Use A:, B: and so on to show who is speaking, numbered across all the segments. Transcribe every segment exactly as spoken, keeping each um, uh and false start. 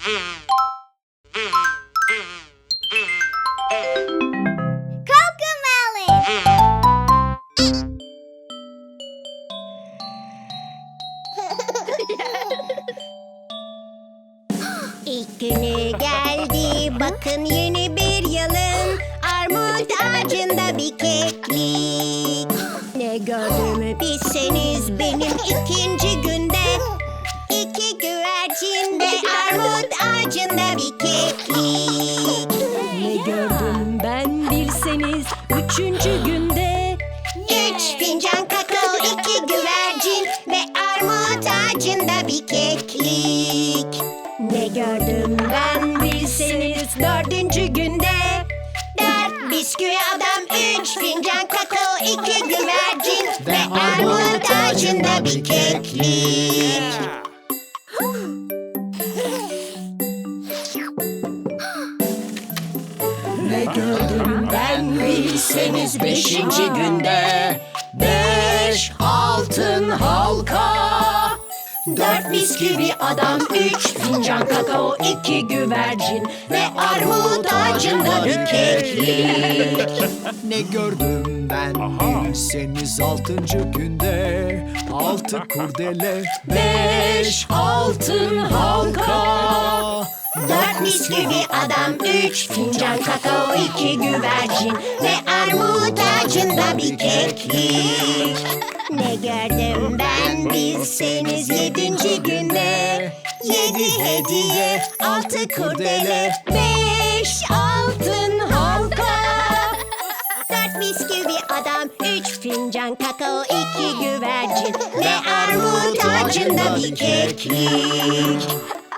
A: İlk günü geldi, bakın yeni bir yılın. Armut ağacında bir keklik. Ne gördüğümü bilseniz benim ikinci günde. İki güvercin ve armut ağacında bir keklik.
B: Ne gördüm ben bilseniz üçüncü günde.
A: Üç fincan kakao, iki güvercin ve armut ağacında bir keklik.
B: Ne gördüm ben bilseniz dördüncü günde.
A: Dört bisküvi adam, üç fincan kakao, iki güvercin ve armut ağacında bir keklik.
B: Ne gördüm ben bilseniz beşinci günde. Beş altın halka. Dört bisküvi adam, üç fincan kakao, iki güvercin ve armut ağacında bir keklik.
C: Ne gördüm ben bilseniz altıncı günde. Altı kurdele,
B: Beş altın halka.
A: Dört bisküvi adam, üç fincan kakao, iki güvercin ve armut ağacında bir keklik. Ne gördüm ben bilseniz yedinci günde. Yedi hediye, altı kurdele, beş altın halka. Dört bisküvi adam, üç fincan kakao, iki güvercin ve armut ağacında bir keklik.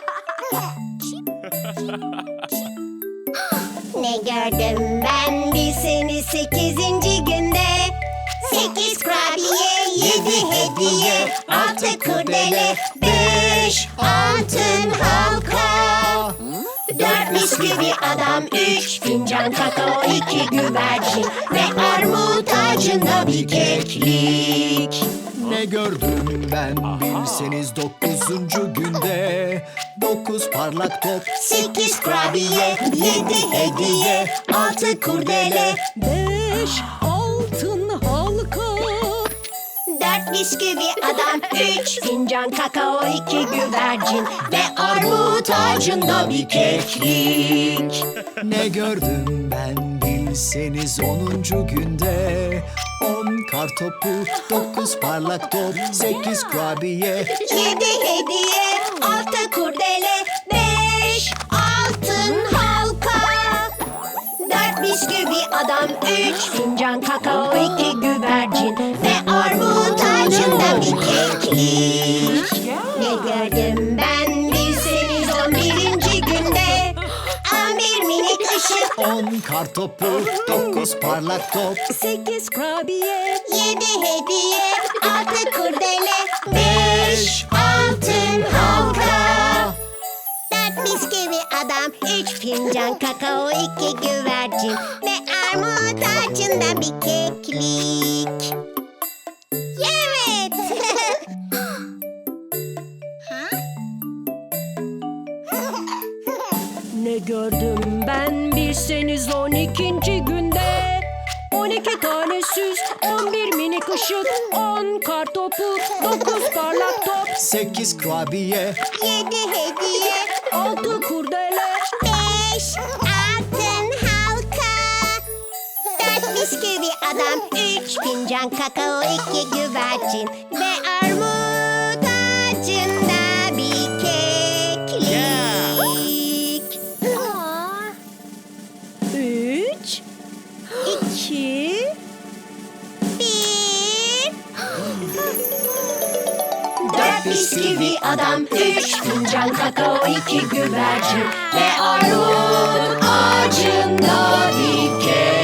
A: Ne gördüm ben bilseniz sekizinci günde. Sekiz kurabiye, yedi hediye, altı kurdele, beş altın halka. Dört bisküvi adam, üç fincan kakao, iki güvercin ve armut ağacında bir keklik.
C: ne gördüm ben bilseniz dokuzuncu günde. Dokuz parlak top,
A: Sekiz kurabiye, yedi hediye, altı kurdele,
B: Beş altın halka.
A: dört bisküvi adam, üç fincan kakao, iki güvercin ve armut ağacında bir keklik.
C: ne gördüm ben bilseniz onuncu günde. On kar topu, dokuz parlak top, sekiz kurabiye,
A: Yedi hediye, altı kurdele, beş altın halka. Dört bisküvi adam, üç fincan kakao, iki güvercin ve armut ağacında bir keklik. Ne gördüm ben bilseniz on birinci günde. On bir minik ışık,
C: on kar topu, dokuz parlak top,
B: Sekiz kurabiye.
A: yedi hediye, altı kurdele, beş altın halka. Dört bisküvi adam, üç fincan kakao, iki güvercin ve armut ağacında bir keklik. Evet.
B: Ne gördüm ben bilseniz on ikinci günde. On iki tane süs, on bir minik ışık, on kar topu, dokuz parlak top,
C: sekiz kurabiye,
A: Yedi hediye,
B: altı kurdele,
A: beş altın halka. Dört bisküvi adam, üç fincan kakao, iki güvercin ve armut ağacında bir keklik.
B: üç, iki,
A: Bir. Dört bisküvi adam, üç fincan kakao, iki güvercin ve armut ağacında bir keklik.